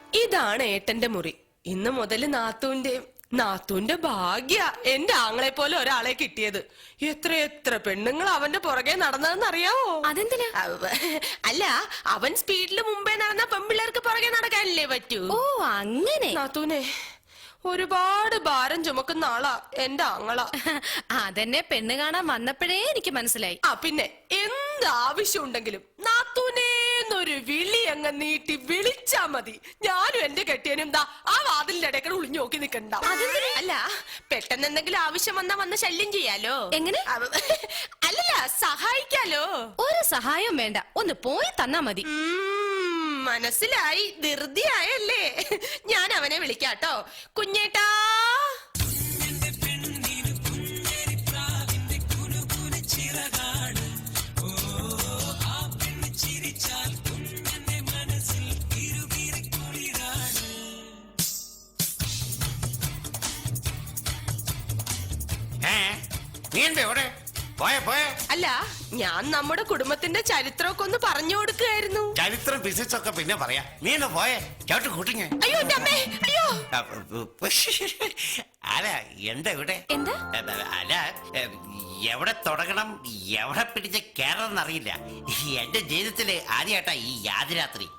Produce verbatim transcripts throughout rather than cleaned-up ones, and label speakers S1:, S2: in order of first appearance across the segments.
S1: ഇതാണ് ഏട്ടന്റെ മുറി. ഇന്ന് മുതൽ നാത്തൂന്റെ നാത്തൂന്റെ ഭാഗ്യ എന്റെ ആങ്ങളെ പോലെ ഒരാളെ കിട്ടിയത്. എത്ര എത്ര പെണ്ണുങ്ങൾ അവന്റെ പുറകെ നടന്നതെന്ന് അറിയാവോ?
S2: അതെന്തിനാ?
S1: അല്ല, അവൻ സ്പീഡില് മുമ്പേ നടന്ന പെൺപിള്ളേർക്ക് പുറകെ നടക്കാനല്ലേ പറ്റൂ.
S2: ഓ അങ്ങനെ.
S1: നാത്തൂനെ ഒരുപാട് ഭാരം ചുമക്കുന്ന ആളാ എന്റെ ആങ്ങള.
S2: അതെന്നെ പെണ്ണ് കാണാൻ വന്നപ്പോഴേ എനിക്ക് മനസ്സിലായി.
S1: ആ പിന്നെ എന്താവശ്യം ഉണ്ടെങ്കിലും നാത്തൂനേന്നൊരു വിളി അങ്ങ് നീട്ടി വിളിച്ചാ മതി. ഞാനും എന്റെ കെട്ടിയനും ദാ ആ വാതിലിന്റെ ഇടയ്ക്ക് ഒളിഞ്ഞു നോക്കി നിക്കണ്ട. അല്ല, പെട്ടെന്ന് എന്തെങ്കിലും ആവശ്യം വന്നാ വന്ന് ശല്യം ചെയ്യാലോ.
S2: എങ്ങനെ?
S1: അല്ലല്ല, സഹായിക്കാലോ.
S2: ഒരു സഹായം വേണ്ട, ഒന്ന് പോയി തന്നാ മതി.
S1: മനസ്സിലായി, ധൃതിയായല്ലേ. ഞാൻ അവനെ വിളിക്കാട്ടോ. കുഞ്ഞേട്ടാ. അല്ല, ഞാൻ നമ്മുടെ കുടുംബത്തിന്റെ ചരിത്രമൊക്കെ ഒന്ന് പറഞ്ഞു കൊടുക്കുകയായിരുന്നു.
S3: ചരിത്രം ബിസിനസ്സൊക്കെ പിന്നെ പറയാ. നീ ഒന്ന് പോയേ, ചോട്ട് കൂട്ടിങ്ങ.
S1: അയ്യോ എന്റെ അമ്മേ, അയ്യോ.
S3: അല്ല, എന്താ ഇവിടെ?
S2: എന്താ?
S3: അല്ല, എവിടെ തുടങ്ങണം എവിടെ പിടിച്ച് കയറണം അറിയില്ല. എന്റെ ജീവിതത്തില് ആദ്യമായിട്ടാ ഈ യാതിരാത്രി.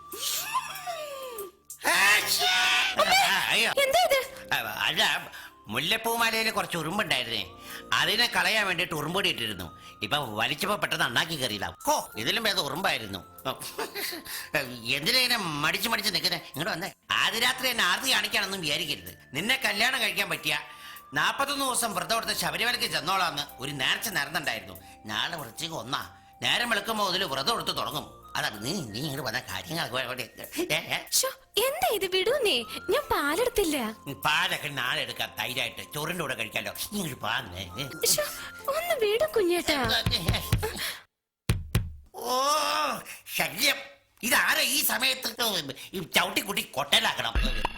S3: അല്ല, മുല്ലപ്പൂമാലയില് കുറച്ച് ഉറുമ്പുണ്ടായിരുന്നേ, അതിനെ കളയാൻ വേണ്ടിട്ട് ഉറുമ്പൊടി ഇട്ടിരുന്നു. ഇപ്പൊ വലിച്ചപ്പോ പെട്ടെന്ന് അണ്ണാക്കി കയറിയില്ല. ഓ, ഇതിലും ഭേദം ഉറുമ്പായിരുന്നു. എന്തിനാ മടിച്ചു മടിച്ച് നിൽക്കുന്നേ? ഇങ്ങോട്ട് വന്നേ. ആദ്യ രാത്രി എന്നെ ആർത്തി കാണിക്കാനൊന്നും വിചാരിക്കരുത്. നിന്നെ കല്യാണം കഴിക്കാൻ പറ്റിയ നാപ്പത്തൊന്ന് ദിവസം വ്രതം എടുത്ത് ശബരിമലയ്ക്ക് ചെന്നോളാന്ന് ഒരു നേർച്ച നേർന്നുണ്ടായിരുന്നു. നാളെ വൃശ്ചിക ഒന്നാ, നേരം വെളുക്കുമ്പോ മുതൽ വ്രതം എടുത്ത് തുടങ്ങും. അതാണ് നീ നീ ഇങ്ങോട്ട് വന്ന കാര്യങ്ങൾ.
S2: എന്താ ഇത്? വിടൂന്നേ, ഞാൻ പാലെടുത്തില്ല.
S3: പാലൊക്കെ നാളെ എടുക്കാം, തൈരായിട്ട് ചോറിന്റെ കൂടെ കഴിക്കാലോ. ഇങ്ങോട്ട് പാന്നേ.
S2: ഒന്ന് വിടും കുഞ്ഞേട്ടാ.
S3: ഓ ശല്യം. ഇതാരാ ഈ സമയത്ത് ചവിട്ടിക്കുട്ടി കൊട്ടലാക്കണം?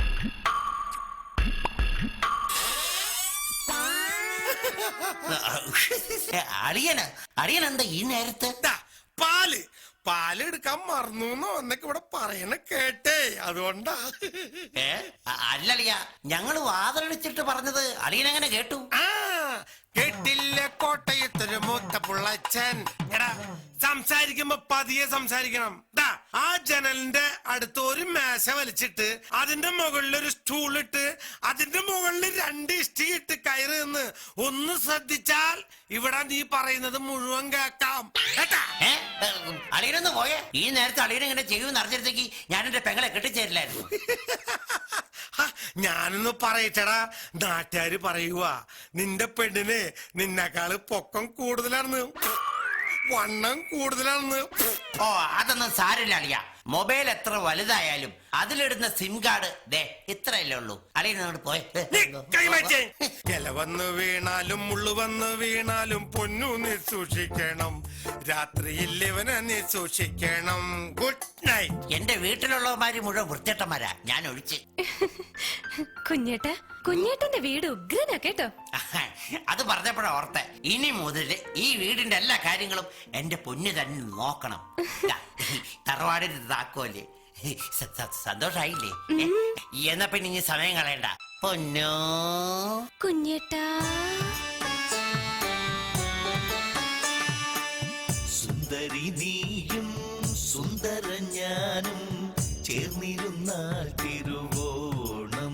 S3: അളിയന അളിയൻ എന്താ ഈ നേരത്തെ?
S4: പാല് പാലെടുക്കാൻ മറന്നു എന്നൊക്കെ ഇവിടെ പറയണ കേട്ടേ, അതുകൊണ്ടാ.
S3: ഏ അല്ലളിയ, ഞങ്ങള് വാതിലടിച്ചിട്ട് പറഞ്ഞത് അളിയനെങ്ങനെ കേട്ടു?
S4: ആ കേട്ടില്ല, കോട്ടയത്തൊരു മൂത്ത പുള്ളച്ചൻ. എടാ, സംസാരിക്കുമ്പോ പതിയെ സംസാരിക്കണം. ആ ജനലിന്റെ അടുത്ത് ഒരു മേശ വലിച്ചിട്ട് അതിന്റെ മുകളിൽ ഒരു സ്റ്റൂൾ ഇട്ട് അതിന്റെ മുകളിൽ രണ്ട് ഇഷ്ടി ഇട്ട് കയറി നിന്ന് ഒന്ന് ശ്രദ്ധിച്ചാൽ ഇവിടെ നീ പറയുന്നത് മുഴുവൻ കേക്കാം.
S3: അളിയനൊന്ന് പോയേ. ഈ നേരത്തെ അളിയൻ ഇങ്ങനെ ചെയ്യുമെന്ന് അറിഞ്ഞിടത്തേക്ക് ഞാൻ എന്റെ പെങ്ങളെ കെട്ടിച്ചേരില്ലായിരുന്നു.
S4: ഞാനൊന്ന് പറയട്ടടാ, നാട്ടുകാര് പറയുക നിന്റെ പെണ്ണിന് നിന്നെക്കാള് പൊക്കം കൂടുതലാണെന്ന്, വണ്ണം കൂടുതലാണെന്ന്.
S3: ഓ, അതൊന്നും സാരില്ല അളിയ. മൊബൈൽ എത്ര വലുതായാലും അതിലിടുന്ന സിം കാർഡ് ദേ ഇത്രയല്ലേ ഉള്ളൂ. അളിയനോട് പോയെ.
S4: ഇല വന്ന് വീണാലും മുള്ളു വന്ന് വീണാലും പൊന്നു നീ സൂക്ഷിക്കണം, രാത്രിയിൽ ഇവനെ നീ സൂക്ഷിക്കണം. Good night.
S3: എന്റെ വീട്ടിലുള്ളവന്മാര് മുഴുവൻ വൃത്തിട്ടന്മാരാ, ഞാൻ ഒഴിച്ച്.
S2: കുഞ്ഞേട്ടാ, കുഞ്ഞേട്ടന്റെ വീട് ഉഗ്രനാ കേട്ടോ.
S3: അത് പറഞ്ഞപ്പോഴാ ഓർത്തെ, ഇനി മുതല് ഈ വീടിന്റെ എല്ലാ കാര്യങ്ങളും എന്റെ പൊന്നു തന്നെ നോക്കണം. തറവാടിന്റെ താക്കോല്. സന്തോഷായില്ലേ? എന്നാ പിന്നെ ഇനി സമയം കളയണ്ട പൊന്നോ.
S2: കുഞ്ഞേട്ടാ.
S5: സുന്ദരി നീയും സുന്ദര ഞാനും ചേർന്നിരുന്നാൽ തിരുവോണം.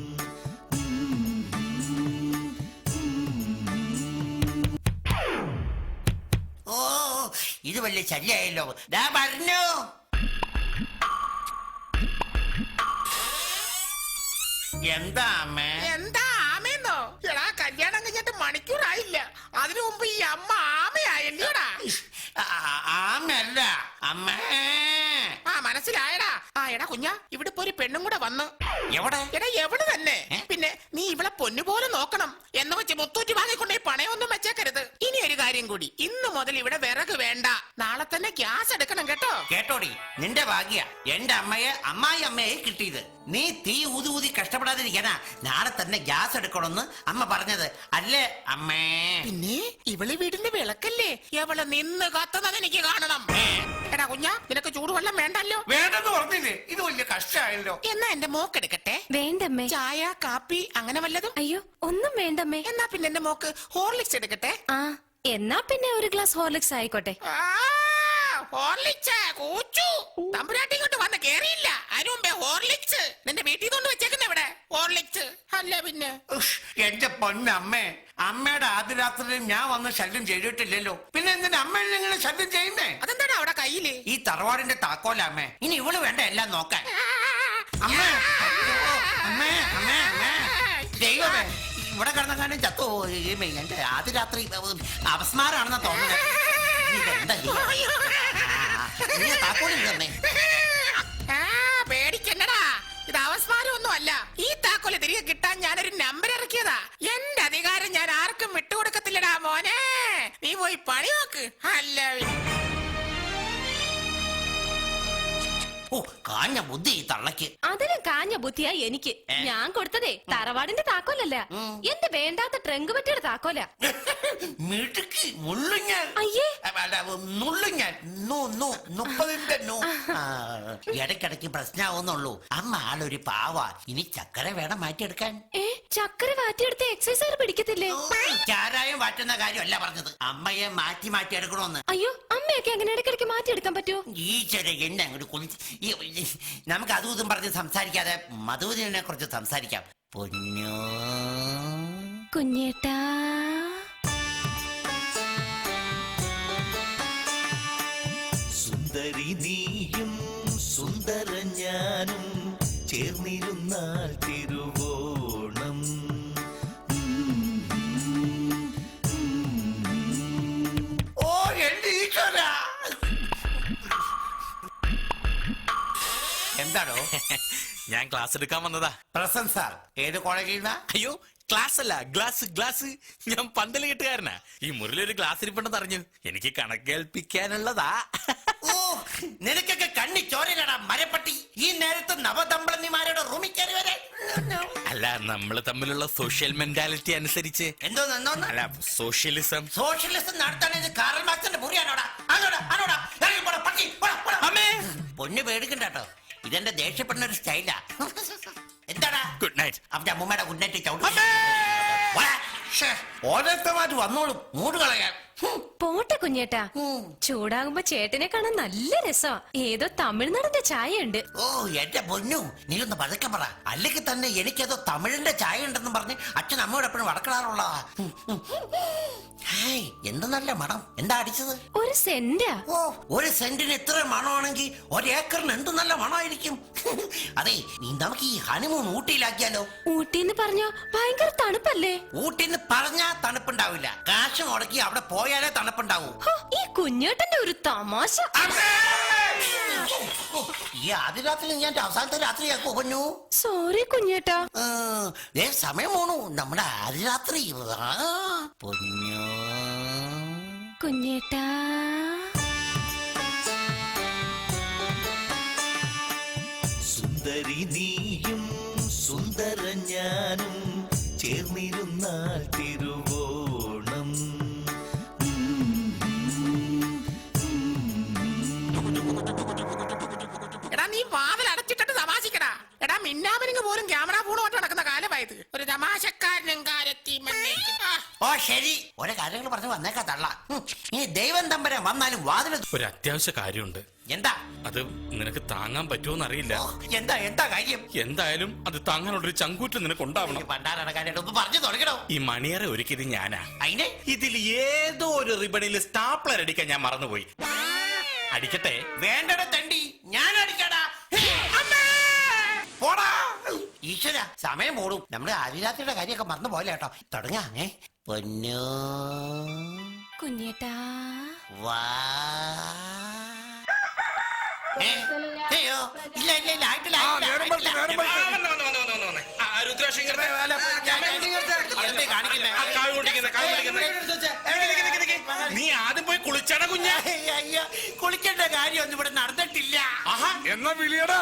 S3: ഓ, ഇത് വലിയ ശല്യായല്ലോ. ദാ പറഞ്ഞു. എന്താ അമ്മേ?
S6: എന്താ ആമയെന്നോ? എടാ, കല്യാണം കഴിഞ്ഞിട്ട് മണിക്കൂറായില്ല, അതിനു മുമ്പ് ഈ അമ്മ ആമയായല്ലോടാ.
S3: ആമയല്ല അമ്മേ.
S6: ആ മനസ്സിലായടാ. ആ എടാ കുഞ്ഞാ, ഇവിടെ ഇപ്പൊ ഒരു പെണ്ണും കൂടെ വന്നു.
S3: എവിടെ?
S6: എടാ എവിടെ തന്നെ. പിന്നെ നീ ഇവളെ പൊന്നുപോലെ നോക്കണം. എന്ന് വെച്ച് മുത്തൂറ്റി വാങ്ങിക്കൊണ്ടേ പണയൊന്നും വെച്ചേക്കരുത്. ഇനി ഒരു കാര്യം കൂടി, ഇന്നു മുതൽ ഇവിടെ വിറക് വേണ്ട, നാളെ തന്നെ ഗ്യാസ് എടുക്കണം കേട്ടോ.
S3: കേട്ടോടി, നിന്റെ ഭാഗ്യ എന്റെ അമ്മയെ അമ്മായി അമ്മയെ കിട്ടിയത്. നീ തീ ഊതി ഊതി കഷ്ടപ്പെടാതിരിക്കാനാ നാളെ തന്നെ ഗ്യാസ് എടുക്കണമെന്ന് അമ്മ പറഞ്ഞത് അല്ലേ അമ്മേ?
S6: പിന്നെ ഇവള് വീടിന്റെ വിളക്കല്ലേ, എവള് നിന്ന് കത്തുന്നത് എനിക്ക് കാണണം. എടാ കുഞ്ഞാ നിനക്ക് ചൂടുവെള്ളം വേണ്ടല്ലോ.
S3: വേണ്ടെന്ന് പറഞ്ഞില്ലേ, ഇത് വലിയ കഷ്ടമായല്ലോ.
S6: എന്നാ എന്റെ മോക്കെടുക്കട്ടെ.
S2: വേണ്ടമ്മേ.
S6: ചായ കാപ്പി അങ്ങനെ വല്ലതും?
S2: അയ്യോ ഒന്നും വേണ്ടമ്മേ.
S6: എന്നാ പിന്നെ എന്റെ മോക്ക് ഹോർലിക്സ് എടുക്കട്ടെ.
S2: ആ എന്നാ പിന്നെ ഒരു ഗ്ലാസ് ഹോർലിക്സ് ആയിക്കോട്ടെ.
S6: ആ, ഹോർലിക്സ് കൂച്ചു. തമ്പുരാട്ടി ഇങ്ങോട്ട് വന്ന് കേറിയില്ല, അതിനു മുമ്പേ ഹോർലിക്സ്. നിന്റെ വീട്ടിൽ കൊണ്ട് വെച്ചേക്കുന്ന ഇവിടെ ഹോർലിക്സ് അല്ല പിന്നെ.
S3: ഉഷ്, എന്റെ പൊന്നമ്മേ, അമ്മയുടെ ആദ്യ രാത്രിയിൽ ഞാൻ വന്ന് ശല്യം ചെയ്തിട്ടില്ലല്ലോ, പിന്നെ എന്തിനാ അമ്മയിൽ ഇങ്ങനെ ശല്യം ചെയ്യുന്നേ?
S6: അതെന്താടാ അവിടെ കയ്യില്?
S3: ഈ തറവാടിന്റെ താക്കോല അമ്മേ, ഇനി ഇവള് വേണ്ട എല്ലാം നോക്കാൻ. അമ്മേ, അയ്യോ, അമ്മേ, അമ്മേ, അമ്മേ, ദൈവമേ, ഇവിടെ കിടന്നെങ്ങാനും ചത്തു. എന്റെ ആദ്യ രാത്രി അപസ്മാരാണെന്നാ തോന്നുന്നത്. ഇതെന്താ ചെയ്യാ? നീ താക്കോലിൽ തന്നെ.
S6: ആ, പേടിക്കണ്ടടാ, ഇത് അവസ്മാരം ഒന്നും അല്ല. ഈ താക്കോല് തിരികെ കിട്ടാൻ ഞാനൊരു നമ്പർ ഇറക്കിയതാ. എന്റെ അധികാരം ഞാൻ ആർക്കും വിട്ടുകൊടുക്കത്തില്ലടാ മോനെ. നീ പോയി പണി നോക്ക്. അല്ല
S3: ഓ, കാഞ്ഞ ബുദ്ധി ഈ തള്ളക്ക്.
S2: അതിലും കാഞ്ഞ ബുദ്ധിയാ എനിക്ക്.
S3: ഏ?
S2: ഞാൻ കൊടുത്തതേ തറവാടിന്റെ താക്കോലല്ല, എന്റെ വേണ്ടാത്ത ട്രങ്ക് പറ്റിയുടെ താക്കോല.
S3: മിടുക്കി മുള്ളുഞ്ഞാൽ.
S2: അയ്യേ.
S3: നുള്ളുഞ്ഞാൽ മുപ്പതിന്റെ നൂ. ആ, ഇടയ്ക്കിടയ്ക്ക് പ്രശ്നമാവുന്നുള്ളൂ. അമ്മ ആളൊരു പാവ. ഇനി ചക്കര വേണം മാറ്റിയെടുക്കാൻ.
S2: ഏ ചക്കര വാറ്റിയെടുത്ത് എക്സസൈസ് പിടിക്കത്തില്ലേ?
S3: ചാരായം വാറ്റുന്ന കാര്യമല്ല പറഞ്ഞത്, അമ്മയെ മാറ്റി മാറ്റി എടുക്കണോന്ന്.
S2: അയ്യോ അമ്മയൊക്കെ അങ്ങനെ ഇടയ്ക്കിടയ്ക്ക് മാറ്റിയെടുക്കാൻ പറ്റുമോ?
S3: ഈശ്വര എന്നെ അങ്ങോട്ട് കുളിച്ച് ഈ- നമുക്ക് അതും ഇതും പറഞ്ഞ് സംസാരിക്കാതെ മധുവിനെ കുറിച്ച് സംസാരിക്കാം. പൊന്നോ
S2: കുഞ്ഞേട്ടാ.
S5: സുന്ദരി നീയും സുന്ദര ഞാനും ചേർന്നിരുന്നാൽ തിരുവോണം.
S3: ഓ എന്റെ ഈശ്വര. എന്താണോ?
S7: ഞാൻ ക്ലാസ് എടുക്കാൻ വന്നതാ.
S3: പ്രസന്റ് സാർ ഏത് കോളേജിൽ നിന്നാ?
S7: അയ്യോ ക്ലാസ് അല്ല, ഗ്ലാസ് ഗ്ലാസ്. ഞാൻ പന്തല് കെട്ടുകാരനാ. ഈ മുറിലൊരു ഗ്ലാസ് ഇരിപ്പുണ്ടെന്ന് അറിഞ്ഞു, എനിക്ക് കണക്ക് കേൾപ്പിക്കാനുള്ളതാ.
S3: ഓ, നിനക്കൊക്കെ കണ്ണി ചോരയിലടാ മരപ്പട്ടി. ഈ നേരത്തെ നവദമ്പളന്മാരുടെ റൂമിൽ കയറി വരാൻ.
S7: അല്ല, നമ്മള് തമ്മിലുള്ള സോഷ്യൽ മെന്റാലിറ്റി അനുസരിച്ച്.
S3: എന്തോന്ന് എന്തോന്ന്?
S7: അല്ല, സോഷ്യലിസം.
S3: സോഷ്യലിസം നടത്താണെങ്കിൽ കാറൽ മാർക്സിന്റെ മുറിയാണോടാ? അതോടാ അതോടാ ഇറങ്ങി പോടാ പട്ടി. പോടാ, പോടാ.
S7: അമ്മേ.
S3: പൊന്നു പേടിക്കണ്ട കേട്ടോ, ഇതെന്റെ ദേഷ്യപ്പെടുന്ന ഒരു സ്റ്റൈലാ. എന്താടാ?
S7: Good night.
S3: അവന്റെ അമ്മൂമ്മയുടെ ഗുഡ് നൈറ്റ് ചവിട്ടി. ഓരോരുത്തമായിട്ട് വന്നോളും മൂട് കളയാൻ.
S2: പോട്ടെ കുഞ്ഞേട്ടാ. ചൂടാകുമ്പോ ചേട്ടനെ കാണാൻ നല്ല രസമാ. ഏതോ തമിഴ്നാടിന്റെ ചായ ഉണ്ട്.
S3: ഓ എന്റെ പൊന്നു, നീ ഒന്ന് പതുക്കെ പറ. അല്ലെങ്കിൽ തന്നെ എനിക്കേതോ തമിഴിന്റെ ചായ ഉണ്ടെന്ന് പറഞ്ഞ് അച്ഛൻ അമ്മയോട് എപ്പോഴും വടക്കിടാറുള്ളതാ. ഹായ്, എന്ത് നല്ല മണം. എന്താ അടിച്ചത്?
S2: ഒരു സെന്റാ.
S3: ഓ, ഒരു സെന്റിന് ഇത്ര മണമാണെങ്കിൽ ഒരേക്കറിന് എന്ത് നല്ല മണമായിരിക്കും. അതെ, നീ നമുക്ക് ഈ ഹണിമൂൺ ഊട്ടിയിലാക്കിയാലോ?
S2: ഊട്ടിന്ന് പറഞ്ഞോ ഭയങ്കര തണുപ്പല്ലേ?
S3: ഊട്ടിന്ന് പറഞ്ഞാ തണുപ്പുണ്ടാവില്ല, കാശ് മുടക്കി അവിടെ പോയാലേ തണുപ്പുണ്ടാവൂ.
S2: ഹോ, ഈ കുഞ്ഞേട്ടന്റെ ഒരു തമാശ.
S3: ഈ ആദ്യ രാത്രി ഞാൻ അവസാനത്തെ രാത്രിയാക്കോ പൊന്നു?
S2: സോറി കുഞ്ഞേട്ടാ.
S3: ഏ സമയം പോണു, നമ്മുടെ ആദ്യ രാത്രി. ആ, പൊന്നു
S2: കുഞ്ഞേട്ടാ.
S5: സുന്ദരി നീയും സുന്ദര ഞാനും ചേർന്നിരുന്നാൽ തിരുവോണം.
S6: എടാ നീ വാതിൽ അടച്ചിട്ടിട്ട് തമാശിക്കടാ. എടാ മിന്നാമിനിങ് പോലും ക്യാമറ ഫോണുമായിട്ട് നടക്കുന്ന കാലമായത്. ഒരു തമാശക്കാരനും കാലത്തി മണ്ണേക്ക്. ആ,
S3: ഓ ശരി, ഓരോ കാര്യങ്ങൾ പറഞ്ഞു വന്നേക്കാ തള്ള. ഉം, ഇനി ദൈവം തമ്പരം വന്നാലും വാതിൽ.
S7: ഒരു അത്യാവശ്യ കാര്യമുണ്ട്.
S3: എന്താ
S7: അത് നിനക്ക് താങ്ങാൻ പറ്റുമോന്ന് അറിയില്ല.
S3: ഓ, എന്താ എന്താ കാര്യം?
S7: എന്തായാലും അത് താങ്ങാനുള്ളൊരു ചങ്കൂറ്റ് നിനക്ക് ഉണ്ടാവണം.
S3: പണ്ടാരാണ് കാര്യം ഒന്ന് പറഞ്ഞു തുടങ്ങണോ?
S7: ഈ മണിയറ ഒരുക്കിയത് ഞാനാ.
S3: അതിനെ
S7: ഇതിൽ ഏതോ ഒരു റിബണിൽ സ്റ്റാപ്ലർ അടിക്കാൻ ഞാൻ മറന്നുപോയി. അടിക്കട്ടെ?
S3: വേണ്ടട തണ്ടി, ഞാൻ അടിക്കടാ. പോടാ. ഈശ്വര, സമയം പോടും. നമ്മുടെ ആദിരാത്രിയുടെ കാര്യമൊക്കെ മറന്നു പോലെ കേട്ടോ. തുടങ്ങാങ്ങേ. പൊന്നു
S2: കുഞ്ഞേട്ടാ.
S3: വാ. ഏ, അയ്യോ, ഇല്ല ഇല്ല ഇല്ല ആയിട്ടില്ല, ആയിട്ടില്ല, ആയിട്ടില്ല. എന്തേ കാണിക്കുന്നെ?
S7: നീ ആദ്യം പോയി കുളിച്ചട കുഞ്ഞ.
S3: അയ്യ, അയ്യ, കുളിക്കേണ്ട കാര്യമൊന്നും ഇവിടെ നടന്നിട്ടില്ല.
S7: എന്നാ വിളിയടാ.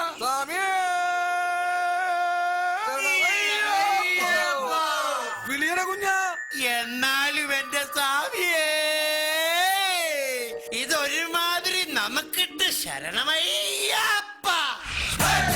S7: വിളിയട കുഞ്ഞ.
S3: എന്നാലും എന്റെ സ്വാമിയേ, ഇതൊരുമാതിരി നമുക്കിട്ട് ശരണമയ്യപ്പ